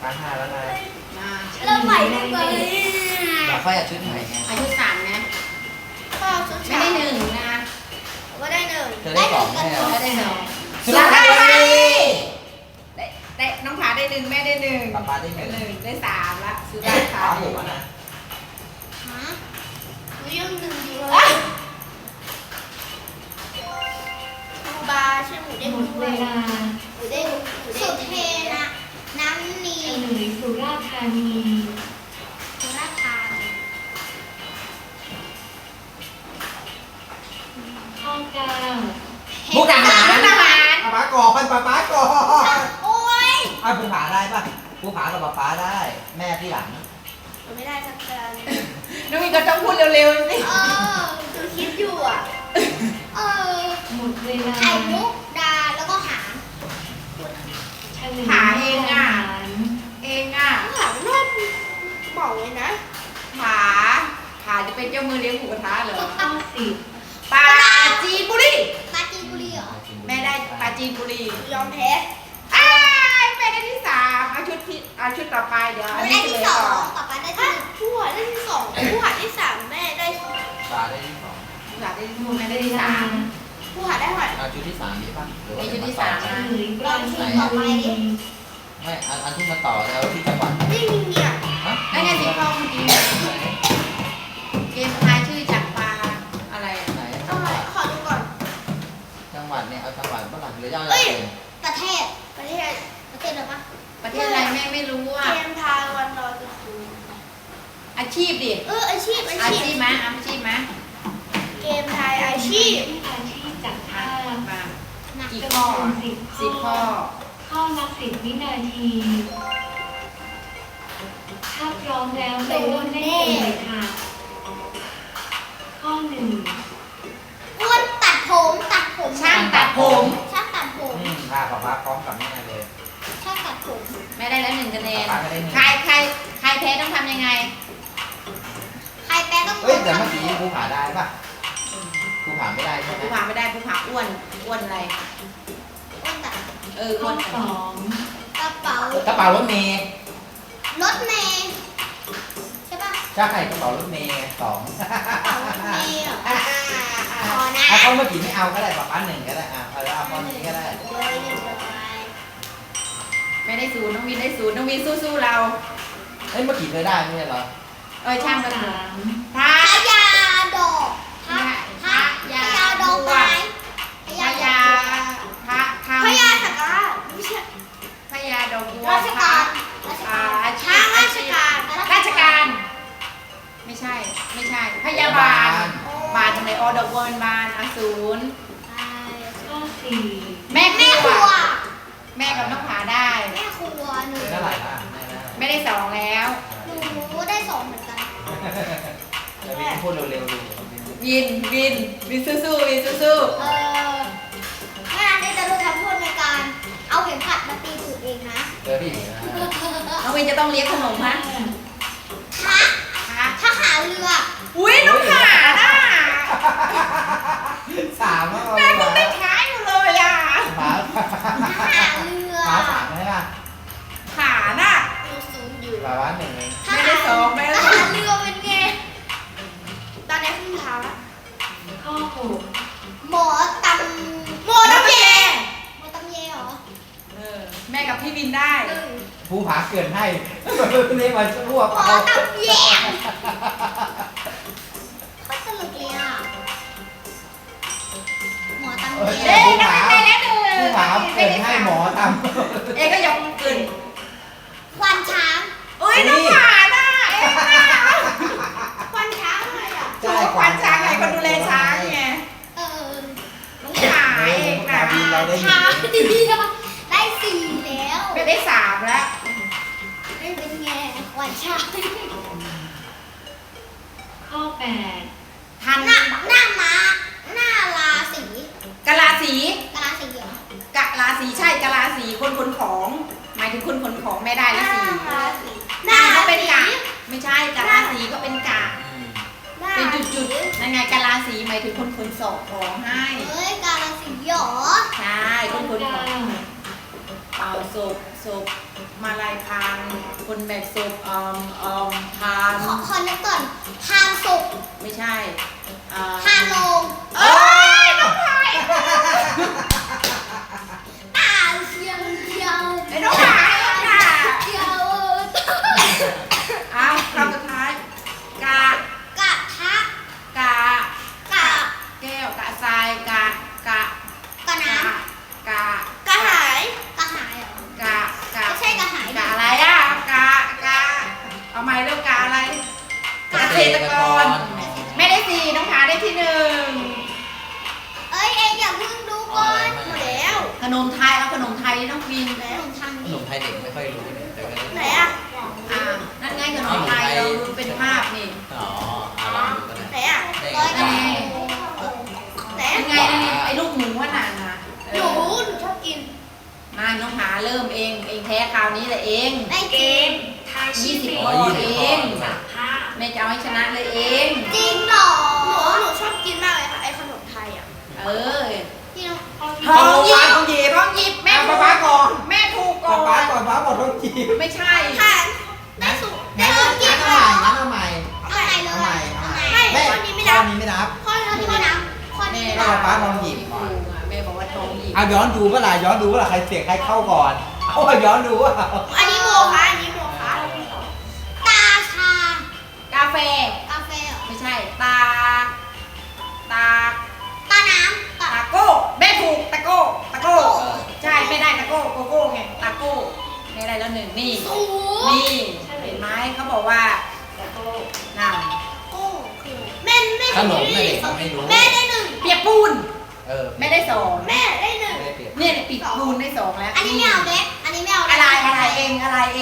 ป้าห้าแล้วนะมาเริ่มใหม่ได้ไหมเดี๋ยวค่อยเอาชุดใหม่ไงอายุสามนะก็ชุดไม่ได้หนึ่งนะก็ได้หนึ่งเธอได้สองแน่เหรอไม่ได้สองสุราษฎร์ธานีได้น้องผาได้หนึ่งแม่ได้หนึ่งป้าได้หได้นึ่งหนึ่งได้สามละสุราษฎร์ธาป้านีหัวนะฮะหนูยังหนึ่งอยู่เลยครูบาใช่หมูเด้งหมดด้เววยลาหมูเด้งสุดเทนะน้ำนีเฉลยสุราษฎร์ธานีสุราษฎร์ธานีข้อเก้ามุกดาหารมุกดาหารป้าก่อนป้าก่อนโอ้ยภูผาได้ป่ะภูผากับป้าได้ แม่ที่หลังหนูไม่ได้สักการน้องมีก็ต้องพูดเร็วๆสิหนูคิดอยู่อ่ะเออหมดเวลาไข่มุกดาแล้วก็หางเฉลยผาเองอ่ะหารเองอ่ะหางนุ่มบอกเลยนะผาผาจะเป็นเจ้ามือเลี้ยงหมูกระทะเหรอข้อสิบปลาจีนบุรีปราจีนบุรีเหรอแม่ได้ปลาจีนบุรียอมแพ้อ้ายแม่ได้ที่สามเอาชุดต่อไปเดี๋ยวหอันูนได้นี้ที่เลยสอก่อง นป๊าป๊าได้ที่ผู้หาได้ที่สองผู้หาที่สามแม่ได้ป้าได้ที่สองผาได้ที่หมสองดแม่เวได้ที่ลาสามผู้หาได้เท่าไหร่เอาชุดที่สามนี้ป่ะหรือว่ามีชุดที่สามเฉนะลยปราจีนบุรีไม่อันที่มาต่อแล้วที่จังหวัดนี่เนี่ยฮะได้ไงสีทองเมื่อกี้เกมทายชื่อจากปลาอะไรอะไหนเอาไหร่ขอดูก่อนจังหวัดเนี่ยเอาจังหวัดบ้างหรือจะเอาอะไรเอ้ยเองประเทศประเทศประเทศอะไรปะประเทศอะไรแม่ไม่รู้อ่ะเกมทายวันลอยกระทงอาชีพดิอาชีพอาชีพไหมอาชีพไหมเกมทายอาชีพอาชีพจากภาพมานะกี่ข้อ สิบข้อข้อละ10 วินาที ถ้าพร้อมแล้วไปร่วมเล่นเกมเลยค่ะ ข้อหนึ่งอ้วนตัดผมตัดผมช่างตัดผมช่างตัดผมค่ะป้าพร้อมกับแม่เลยช่างตัดผมแม่ได้แล้วหนึ่งคะแนนป้าก็ได้หนึ่งใครแพ้ต้องทำยังไงใครแพ้ต้องเฮ้ยแต่เมื่อกี้ภูผาได้ป่ะภูผาไม่ได้ใช่ไหมผู้ผาไม่ได้ผู้ผาอ้วนอะไรอ้วนตัดอ้ข้วอน สองกระเป๋ากระเป๋ารถเมย์รถเมล์ใช่ปะใช่กระเป๋ารถเมย์สองกระเป๋ารถเมล์เหรอพอนะเอาข้อเมื่อกี้ไม่เอาก็ได้ป้าหนึ่งก็ได้เอาข้อนี้ก็ได้เลยหนึ่งเลยไม่ได้ศูนย์น้องวินได้ศูนย์น้องวินสู้ๆเราเฮ้ยเมื่อกี้เคยได้ไม่ใช่เหรอช่างกันสามพระพญาดอกพระพระพญาดอกไม้พพญาญาพระธรรมพญาสักการะไม่ใช่พญาดอกบัวราชการราชอ่าการอาชีทางพราชการราชการ ไม่ใช่ พยาบาล บาลทำไมดอกบัวเป็นบานอสูรข้อสี่แม่คแม่ครัรัววแม่กับน้องผาได้แม่ครัวหนูเท่าไหร่ล่ะไม่ได้สองแล้วหนูได้สองเหมือนกันจะมีพูดเร็วๆดูวินสู้ๆวินสู้แม่ได้จะรู้ทำโทษในการเอาเข็มขัดมาตีตูดเองนะเจอพี่ๆน้องวินจะต้องเลี้ยงขนมฮะถ้าหาเรืออุ้ยน้องผาน่ะสามแล้วแม่คงได้ท้ายอยู่เลยอ่ะหมาถ้าหาเรือหมาสามใช่ป่ะผาน่ะหนูสูงอยู่หมาว่าหนึ่งเองไม่ได้สองไม่ได้ถ้าสอหาง เรือเป็นไงตอนนี้ขึ้นเท้าแล้วข้อหกหมอตำหมอตำแยหมอตำแยเหรอแม่กับพี่วินได้หนึ่งภูผาเกินให้เรียกมาชั่วหมอตำแยโคตรตลกเลยอ่ะหมอตำแยเอ้ยน้องวินได้แล้วหนึ่งภูผาเกินให้หมอทเอ้ก็ยกมือขึ้นควันช้างอุ้ยน้องผาน่ะเอ้น่ะควันช้างอะไรอ่ะำถูกควานช้างไงคนดูแลช้างไงเออน้องผาเองน่ะเราได้ช้างดีได้สี่แล้วไม่ได้สามแล้วไม่เป็นไงควันช้างข้อแปดทันหน้าม้าหน้าราศีกะลาสีกะลาศีเหรอกะลาสีใช่กะลาสีคนขนของ หมายถึงคนขนของแม่ได้หละน้าสีราศีหหน้าน้าก็ราเป็นศีกะไม่ใช่กะลาสีก็เป็นกะหน้าเป็นจุดๆนั่นไงกะลาสีหมายถึงคนขนส่งของให้เอ้ยกาลาสีหรอใช่คข้อนขนขเก้าองไปศพมาลายพานคนแบกศพพานขอนึกก่อนพานศพไม่ใช่อ่าพานโลงเอ้ยน้องพายตาเชียงเดียวไอ้น้องพายค่ะเดียวเอาคำสุดท้ายกะกะทะกะกะแก้วกะทรายกะกะน้กะำกะหายกะหายเหรอกะไม่ใช่กะหายกะอะไรอ่ะกะเอาใหม่เริ่มกะอะไรเกษตรกรไม่ได้สี่น้องผาได้ที่หนึ่งเอ้ยเอ็งอย่าเพิ่งดูก่อนหมดแล้วขนมไทยเอาขนมไทยน้องฟินขนมทางขนี้นมไทยเด็กไม่ค่อยรู้เลยแต่ก็รู้ไหนอ่ะนั่นไงขนมไทยเราดูเป็นภาพนี่อ๋อลองดูก็ได้ไหนอ่ะได้ร้อยไหนไหนยังไงไอ้ลูกหมูว่านานนะหนูชอบกินมาน้องผาเริ่มเองแพ้คราวนี้แหละเองได้เกกินมทายชื่อเพล 20 งข้อเองจากภาพแม่จะเอาให้ชนะเลยเองจริงเหรอหนูชอบกินมากเลยค่ะไอ้ขนมไทยอ่ะเออที่น้องทองหยิบทองหยิบแม่ถูกป้าก่อนแม่ถูกก่ป้าอนก่อนป้าบอกต้องจีบไม่ใช่ค่ะได้สุกได้งั้นสุกกินเอาใหม่เอาไหนเลยเอาใหม่เอาเอาไหนใหม่ไม่แม่ข้อนี้ไม่ข้นัอบ นี้ไม่นับข้อนี้ไม่นับข้อนี้ไม่แม่นับป้าทองหยิบถูกอ่ะแม่บอกว่าทองหยิบเอาย้อนดูเมื่อไหร่ย้อนดูเมื่อไหร่ใครเสียงใครเข้าก่อนเอาย้อนดูว่าอันนี้โมคะอันนี้โมคะตาชากาแฟกาแฟเหรอไม่ใช่ตาตาน้ำตาตาโก้แม่ถูกตะโก้ใช่ไม่ได้ตะโก้โกโก้ไงตาโก้ไม่ได้แล้วหนึ่งนี่สูนี่เห็นไหมเขาบอกว่าแล้วก็น่ะโก้คือแม่ไม่ขนมน่ะเด็กมันไม่รู้แม่ได้หนึ่งเปียกปูนเออไม่ได้สองแม่ได้หนึ่งไม่ได้เปรียบเนี่ยปีกปูนได้สองแล้วอันนี้ไม่เอาเล็กอันนี้ไม่เอาอะไรเอง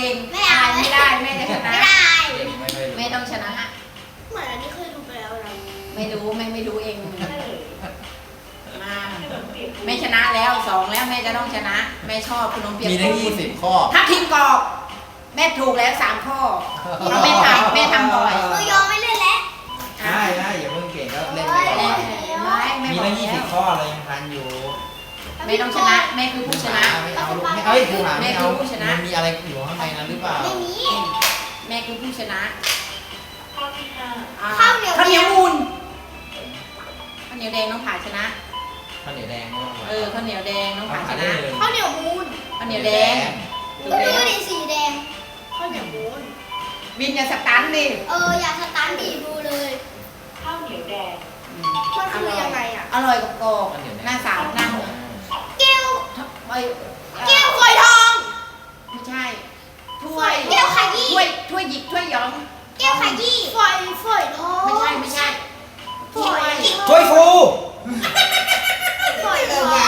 ไม่เอาไม่ได้แม่จะชนะไม่ได้เด็กไม่ค่อยรู้แม่ต้องชนะเหมือนอันนี้เคยดูไปแล้วนะไม่รู้แม่ไม่รู้เองเฉลยมาขนมเปียกปูนแม่ชนะแล้วสองแล้วแม่จะต้องชนะแม่ชอบขนมเปียกมีทั้งปูน 20 ข้อถ้าทิ้งกรอบแม่ถูกแล้วสามข้อเราแม่ทำบ่อยคือยอมไม่เล่นแล้วใช่อย่าเพิ่งเก่งก็เล่นไปแม่ก่อนแม่มีบอกตั้งแล้ว 20 ข้อเลยยังทันอยู่แม่ต้องชนะแม่คือผู้ชนะไม่เอาลูกไม่เอาครูหาไม่เอาแม่คือผู้ชนะมันมีอะไรอยู่ข้างในนั้นหรือเปล่าไม่มีแม่คือผู้ชนะข้อที่ห้าอ่ข้าวเหนียวข้าวเหนียวมูลข้าวเหนียวแดงน้องผาชนะข้าวเหนียวแดงไม่ต้องข้าวเหนียวแดงน้องผาชข้าวนะเหนียวข้าวเหนียวมูนข้าวเหนียวแดงถูกก็แล้ดูวดิสีแดงข้าวเหนียวมูนวินอย่าสตันดิอยากสตาร์ทดีดูเลยข้าวเหนียวแดงมันคือยังไงอ่ะอร่อยกับกรอบหน้าสาวนั่งแก้วไอ้แก้วฝอยทองไม่ใช่ถ้วยแก้วขยี้ถ้วยหยิกถ้วยย้อมแก้วขยี้ฝอยทองไม่ใช่ถ้วยช่วยครูฝอยทองไม่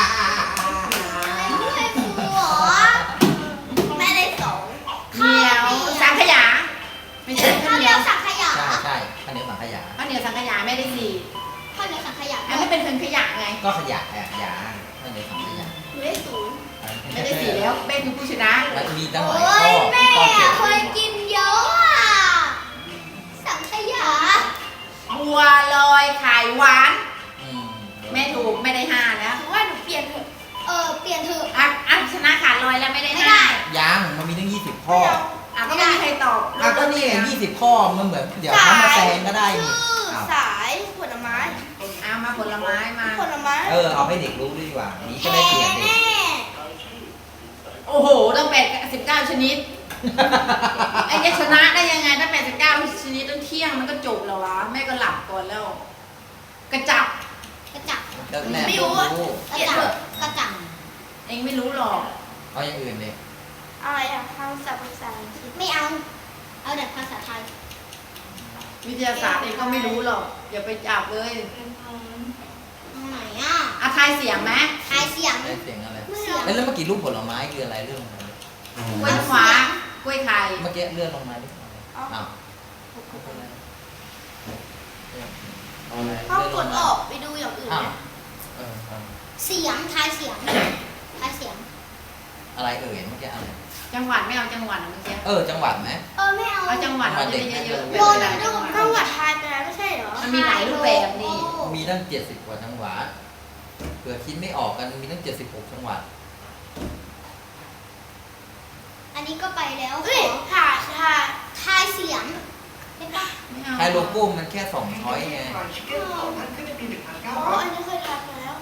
ฟูหรอแม่ได้สองเหนียวสังขยาไม่ใช่ข้าข้าว วเหเหนีนียยว วสังขยาใช่ข้าวเหนียวสังขยาข้าวเหนียวสังขยาไม่ได้สี่ข้าวเหนียวสังขยาอันนี้เป็นขยะไงก็ขยะยาข้าวเหนียวสังขยาหนูได้ศูนย์ไม่ได้สี่แล้วเป็นคือผู้ชนะมันมีตั้งหลายโอ้ข้อยแม่ข้อเก็บเคยกินเยอะอ่ะสังขยาบัวลอยไข่หวานอืมแม่ถูกไม่ได้ห้าแล้วหนูว่าหนูเปลี่ยนเถอะเปลี่ยนเถอะอ่ะชนะขาดลอยแล้วไม่ได้ไม่ห้าได้ยังมันมีตั้ง20 ข้อก็ไม่มีใครตอบก็นี่ไง20 ข้อมันเหมือนเดี๋ยวเขามาแซงก็ได้นี่ชื่ออ้าวสายผลไม้มาผลไม้มาผลไม้เอาให้เด็กรู้ดีกว่านี้ก็แพ้ได้เปลี่ยนเด็กแน่โอ้โหต้อง89ชนิดไอ้จะชนะได้ยังไงถ้า89ชนิดต้องเที่ยงมันก็จบแล้ววะแม่ก็หลับก่อนแล้ว กระจับกระจับแล้วแม่ไม่ต้รู้องว่ารู้กระจับกระจับเองไม่รู้หรอกเอาอย่างอื่นเลยอะไรอะภาษาอังกฤษไม่เอาแต่ภาษาไทยวิทยาศาสตร์เองก็ไม่รู้หรอกอย่าไปจับเลยเป็นพร้อมเอาไหนอะอาทายเสียงไหมทายเสียงได้เสียงอะไรเสียงแล้วเมื่อกี้รูปผลไม้คืออะไรเรื่องอะไรกล้วยน้ำว้ากล้วยไข่เมื่อกี้เลื่อนลงมาดิอ้าวต้องกดออกไปดูอย่างอื่นอ้าวนะเออเสียงทายเสียงทายเสียงอะไรเอ่ยเมื่อกี้อะไรจังหวัดไม่เอาจังหวัดนะเมื่อกี้จังหวัดไหมไม่เอาเอาจังหวัดเราจะได้เยอะๆโดนหลายจังหวัดจังหวัดทายไปแล้วไม่ใช่เหรอมันมีหลายรูปแบบนี่มีตั้ง70 กว่าจังหวัดเผื่อคิดไม่ออกกันมีตั้ง76 จังหวัดนี้ก็ไปแล้วขเฮ้ยอ ทายเสียงได้ปะไม่เอาใครโลโก้มันแค่2 ช้อยไงอ๋ออันนี้เคยทายมาแล้ว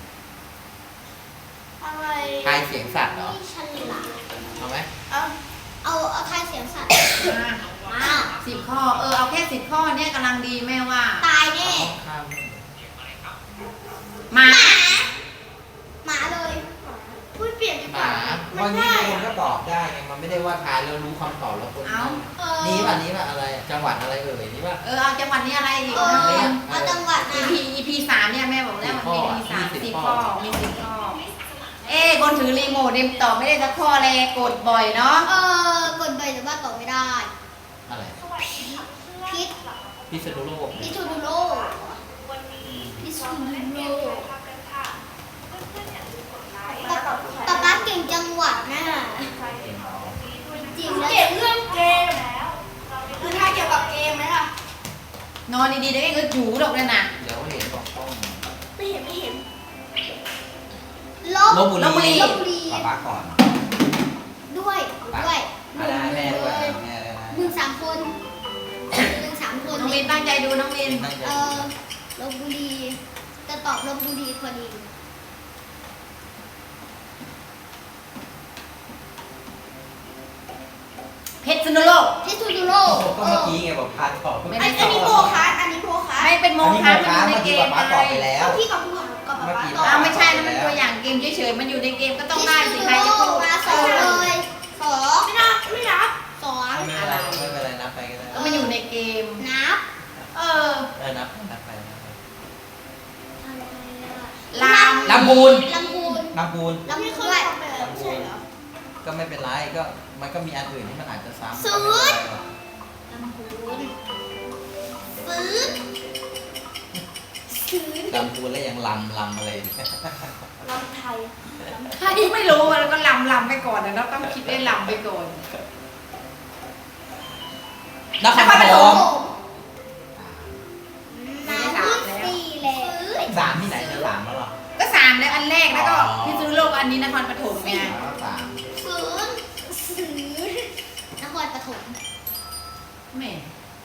อะไรทายเสียงสัตว์เหรอนี่ฉลาดเอาไหมเอาทายเสียงสัตว์มา 10 ข้อ เอาแค่10 ข้อเนี่ยกำลังดีแม่ว่าตายแน่ข้ามหมาหมาเลยพูดเปลี่ยนดีหกว่ามามัวันนนี้ง่ายคนอะก็ตอบได้ไงมันไม่ได้ว่าทายแล้วรู้คำตอบแล้วคนเอานี้ป่ะอะไรจังหวัดอะไรนี่ป่ะเอาจังหวัดนี้อะไรอีกเอนะอเรียนเอาจังหวัดนะ EP 3เนี่ยแม่บอกแล้วมันมี EP 3 10 ข้อ มี 10 ข้อ คนถือรีโมทเนี่ยตอบไม่ได้สักข้อเลยกดบ่อยเนาะกดไปแต่ว่าตอบไม่ได้อะไรพิษพิษณุโลกพิษณุโลกวันนี้พิษณุไม่โลได้กภาพกันค่ะเพื่อนๆอย่าลืมกดไลค์ป๊าเก่งจังหวัดนะใครที่ขอนี้ด้วยนะจริงคุณแล้วเก่งเรื่องเกมแล้วเราได้คือทายเกี่ยวกับเกมไหมล่ะนอนดีๆได้ก็จูดอกเลยนะเดี๋ยวเห็นบอกต้องไม่เห็นลลบบุรีลบบุรีป้าก่อนด้วยด้วยได้แม่ด้วยแม่ด้วยนะมึง3 คนมึง3 คนน้องวินตั้งใจดูน้องวินลบบุรีจะตอบลบบุรีพอดีเพชรสนุโลกพิษณุโลกก็เมื่อกี้ไงบอกพาตอบไม่อัได้นนี้โมคะอันนี้โมคะไม่เป็นโมอันนี้ฆะโมมันคะอยู่ในเมื่อเกกี้มป้าตอบไปแล้วพี่กับผู้กับป๊าเมื่อกี้ตอบไม่ใช่นะมันตัวอย่างเกมเฉยๆมันอยู่ในเกมก็ต้องพิษได้ณุสิโลใครจะกพูดมา2เลย2 ไม่นับ 2 ไม่เป็นไรไม่เป็นไรนับไปก็ได้ก็มันอยู่ในเกมนับนับไปอะไรอะลามลำพูนลำพูนลำพูนลำไม่พูนเคยด้วยทำไปแล้วไม่ใช่เหรอก็ไม่เป็นไรก็มันก็มีอันอื่นที่มันอาจจะซ้ำศูนย์ ลำพูนฟื้นฟื้นลำพูนแล้วยังลำอะไรลำไทยถ้าที่ไม่รู้แล้วก็ลำไปก่อนนะเราต้องคิดได้ลำไปก่อนนครปฐมน้ำมืดสี่แล้วสามที่ไหนจะสามแล้วหรอก็3แล้วอันแรกแล้วก็อ๋อพิษณุโลกอันนี้นครปฐมไงสามฟื้นฟื้นนครปฐมแหม่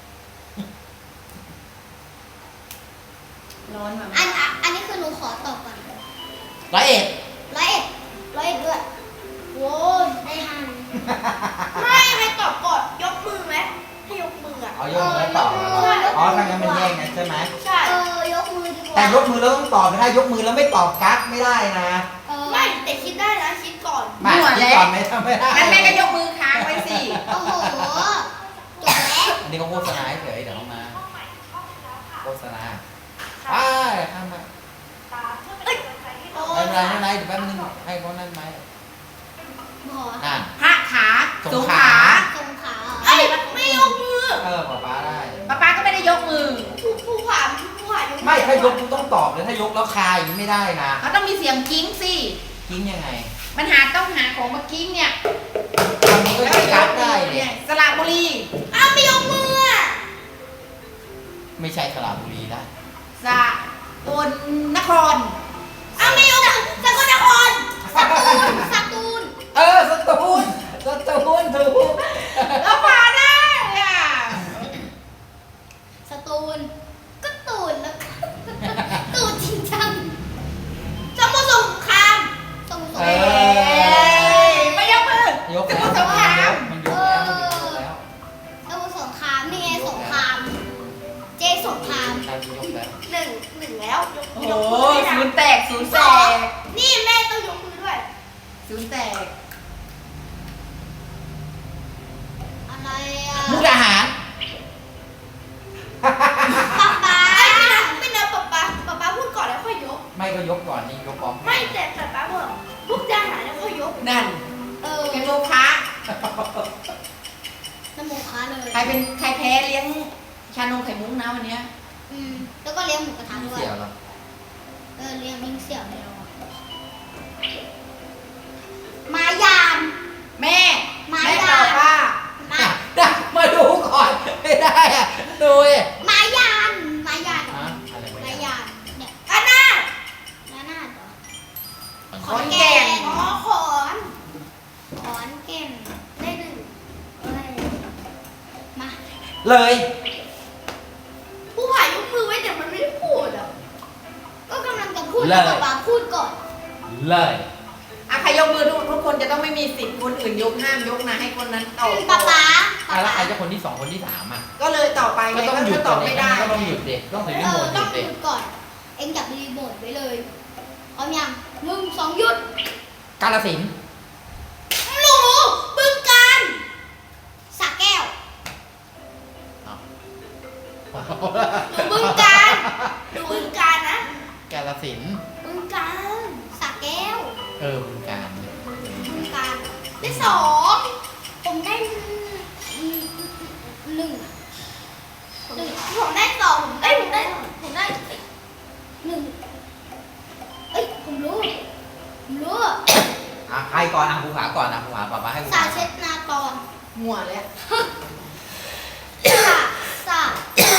ร้อนแบบอันนี้คือหนูขอตอบก่อนร้อยเอ็ด 101ด้วยโว้ยได้ห้าไม่ให้ตอบก่อนยกมือไหมให้ยกมืออ่ะเอายกมือแล้วตอบอ๋อถ้างั้นมันแย่งกันใช่ไหมใช่ยกมือดีกว่าแต่ยกมือแล้วต้องตอบนะยกมือแล้วไม่ตอบกั๊กไม่ได้นะไม่แต่คิดได้นะคิดก่อนมาคิดก่อนไหมทำไม่ได้งั้นแม่ก็ยกมือค้างไว้สิโอ้โหจบแล้วอันนี้เขาโฆษณาเฉยเดี๋ยวเขามาเข้าใหม่เข้าไปแล้วค่ะโฆษณาไปข้ามมาตามเพื่อเป็นกำลังใจให้เราไม่เป็นไรไม่เป็นไรเดี๋ยวแป๊บนึงให้เขานั่นไหมหมอนั่นพระขาสงขาสงขาเอ้ยไม่ยกมือป้าได้ป้าก็ไม่ได้ยกมือผู้ผ่านยกมือไม่ถ้ายกต้องตอบเลยถ้ายกแล้วคาอย่างนี้ไม่ได้นะเขาต้องมีเสียงกิ้งสิกิ้งยังไงมันต้องหาของมากิ้งเนี่ยคำนี้ก็จะกั๊กได้เนี่ยสระบุรีอ้าวไม่ยกมืออ่ะไม่ใช่สระบุรีได้สะกลนครอ้าวไม่ยกมือสกลนครสตูลสตูลถูกแล้วพาได้อ่ะสตูลก็ตูนแล้วก็ตูนจริงจังสมุทรสงครามสมุทรสงเอครามไม่ยกมือยกสมุทรสงครามมันยกแล้วมันยกแล้วสมุทรสงครามนี่ไงสงคราม เจสงครามใช่ยกแล้วหนึ่งแล้วยกโอ้ยโหกมือด้วยศูนนะย์แตกศูนย์แตกนี่แม่ต้องยกมือด้วยศูนย์แตกอะไรอ่ะมุกดาหารป๊าไม่นับป๊าพูดก่อนแล้วค่อยยกไม่ก็ยกก่อนนี่ยกพร้อมไม่แต่ป๊าบอกลูกจะหาแล้วค่อยยกนั่น เป็นโมฆะน้ำโมค้าเลยใครแพ้เลี้ยงชานมไข่มุกนะวันเนี้ยแล้วก็เลี้ยงหมูกระทะด้วยเสี่ยวเหรอเลี้ยงลิงเสี่ยวในเรามายามแม่มาแม่ยาตอบว่ามามาดูก่อนไม่ได้อะดูดิมายานมายานฮะอะไรมาไม่ยานเนี่ยอันน่านานาดเหรอขอนแก่นอ๋อขอนขอนแก่นได้เลยผู้ผายกมือไว้แต่มันไม่ได้พูดอ่ะก็กำลังจะพูดให้ป๊าพูดก่อนเลยอ่ะใครยกมือทุกคนจะต้องไม่มีสิทธิ์คนอื่นยกห้ามยกนะให้คนนั้นตอบป๊าแล้วใครจะคนที่สองคนที่สามอ่ะก็เลยต่อไปก็ไงต้องหยุดก็ตอบไม่ได้ก็ต้องหยุดเด็กต้องถือรีโมทหต้ยุองดหเด็กยุดก่อน เอ็งจับรีโมทไว้เลยพร้อมยัง1 2หยุดกาฬสินธุ์หนูบึงการสระแก้วหนูบึงการหนูบึงการนะกาฬสินธุ์บึงการสระแก้วบึงการบึงการได้สองผมได้หนึ่งผมได้สองผมได้หนึ่งเอ้ยผมรู้ใครก่อนภูผาก่อนภูผาป๊าให้ภูสาผาเช็ดนากรหัวแล้วสระ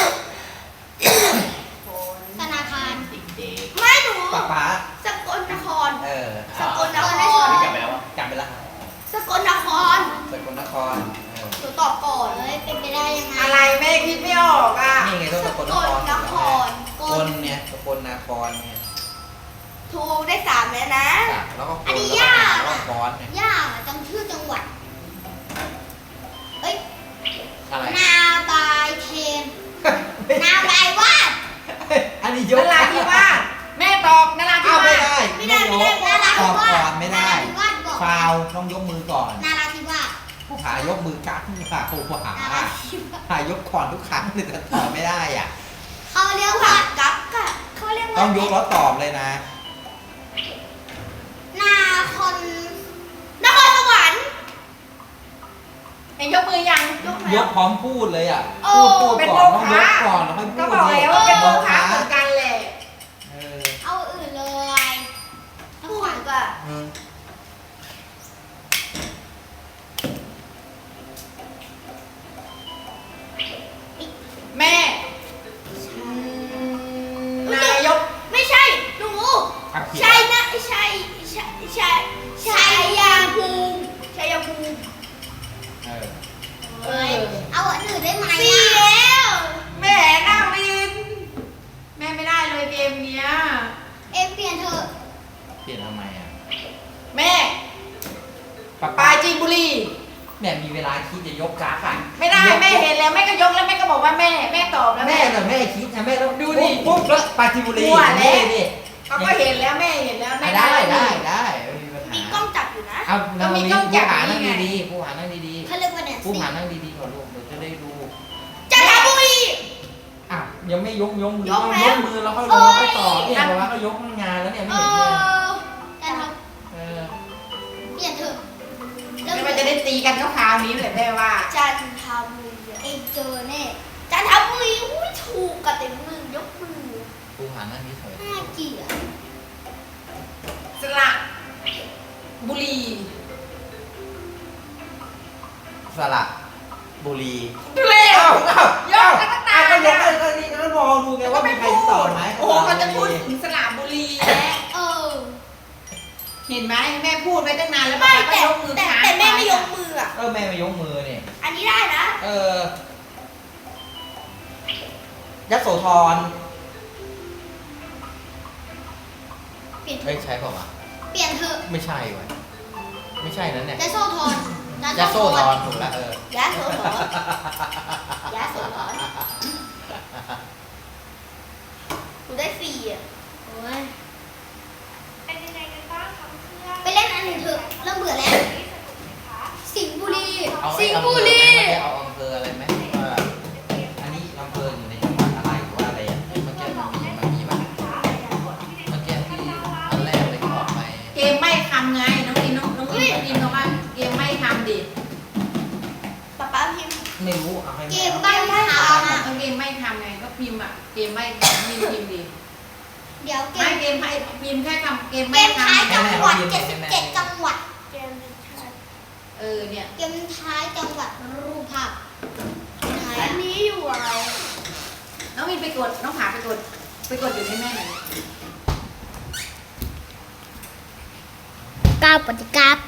ธนาคารเด็กไม่หนูป๊าสกลนครสกลนครกลับไปแล้วกลับไปแล้วสกลนครสกลนครหนูตอบก่อนเอ้ยเป็นไปได้ยังไงอะไรแม่คิดไม่ออกอ่ะนี่ไงต้องสสกกลลนครนครคนเนี่ยสกลนครเนี่ยถูกได้สามแล้วนะแล้วก็อันนี้ยากแล้วก็อ่ะคอนเนี่ยยากอ่ะจำชื่อจังหวัด เอ้ยอะไรนาบายเทน นาบายวาดอันนี้ยนกราธิวาสแม่ตอบนราธิอ้าววาไม่สได้นาราตธิอบวาก่อสนไม่ได้นาราธิวาสบอกฟาวต้องยกมือก่อนนาราธิวาสผู้ผายกมือกักผู้ผาผู้ผานาราธิวาสผายกก่อนทุกครั้งเลยแต่ตอบไม่ได้อ่ะเขาเรียกผัว่าดกับกะเขาเรียกว่าต้องยกแล้วตอบเลยนะนาคอนนครสวรรค์เอ็งยกมือยังยกยแล้วกพร้อมพูดเลยอ่ะโอ้พูดเป็นก่อนโมต้องยฆะกก่อนแล้วค่อยพูก็ดบอกแล้วว่าเป็นโมฆะเหมือนกันแหละเออเอาอื่นเลยนถูครกอ่ะแม่นายกไม่ใช่หนูครับเขียนใช่นะใช่ชัยภูมิชัยภูมิเออเอ้ยเอาอันอื่นได้ไหมสี่อ่ะแล้วแม่นาวิน แม่ไม่ได้เลยเกมเนี้ยเอ็มเปลี่ยนเถอะเปลี่ยนทำไมอ่ะแม่ป้าปราจีนบุรีแม่มีเวลาคิดจะยกกราฟอ่ะไม่ได้แม่เห็นแล้วแม่ก็ยกแล้วแม่ก็บอกว่าแม่ตอบแล้วแม่แต่แม่คิดนะแม่ต้องดูดิปุ๊บแล้วปราจีนบุรีมั่วแล้วนี่ดิเขาก็เห็นแล้วแม่เห็นแล้วแม่ได้ไม่มีปัญมีหากล้องจับอยู่นะเอาก็มีกล้องจับผู้หานี่นั่งไงดีๆผู้หานั่งดีเขาเรียกว่าเนี่ยๆผู้หานั่งดีๆก่อนลูกเดี๋ยวจะได้ดูจันทบุรีอ่ะยังไม่ยกมือยกแล้วมือแล้วค่อยลงค่อยต่อเนี่ยเพราะว่าก็ยกงานแล้วเนี่ยไม่เอเห็นเลยอแต่เราเออเปลี่ยนเถอะแม่มันจะได้ตีกันคราวนี้เลยแม่ว่าจันทบุรีเองเจอแน่จันทบุรีอุ้ยถูกกับเต็มมือยกมือผู้หานั่งเฉยน่าเกลียดสระบุรีสระบุรีดูเลยเอ้าเอ้ายกกันตั้งนานก็ยกนะก็นี่ก็มองดูไงว่ามีใครตอบไหมโอ้โหเขาจะพูดถึงสระบุรีแล้วเออเห็นไหมแม่พูดไปตั้งนานแล้วไม่ก็แต่ยกมือแต่ค้างแต่แม่ไม่ยกว้อะมืออ่ะแม่ไม่ยกมือเนี่ยอันนี้ได้นะยโสธรเปลี่ยนเถเฮ้ยอะใช่เปล่าวะเปลี่ยนเถอะไม่ใช่ว่ะไม่ใช่นั่นเนี่ยจะโซ่ทอนยโสธรถูกแล้วยะโสธรยะโสธรหนูได้สี่อ่ะโอ้ยเป็นยังไงกันบ้างคะเพื่อนไปเล่นอันอื่นเถอะเริ่มเบื่อแล้ววันนี้สนุกไหมคะสิงห์บุรีเอาสิงห์อำเภบุอรีไหมเอาอำเภออะไรไหมว่าอันนี้อำเภออยู่ในจังหวัดอะไรหรือว่าอะไรอ่ะเมื่อกี้มันมีป่ะเมื่อกี้ที่อันแรกเลยที่ออกไปเกมไม่ทำไงน้องอินบอกว่าเกมไม่ทำดิป๊าป๊าพิมพ์ไม่รู้เอาให้เกแม่มใบ้ทางเอาอ่ะเกมไม่ทำไงก็พิมพ์อ่ะเกมไม่ทำพิมพ์ดิเดี๋ยวเกไม่มเกมให้พิมพ์แค่คำเกมเกไม่มทท้ายจังหวัด77จังหวัดเกมนี้ใช่ำเนี่ยเกมท้ายจังหวัดรูปภาพยังไงอันอะนี้อยู่อะไรน้องมินไปกดน้องผาไปกดอยู่ให้แม่หน่อยก้าวปฏิกา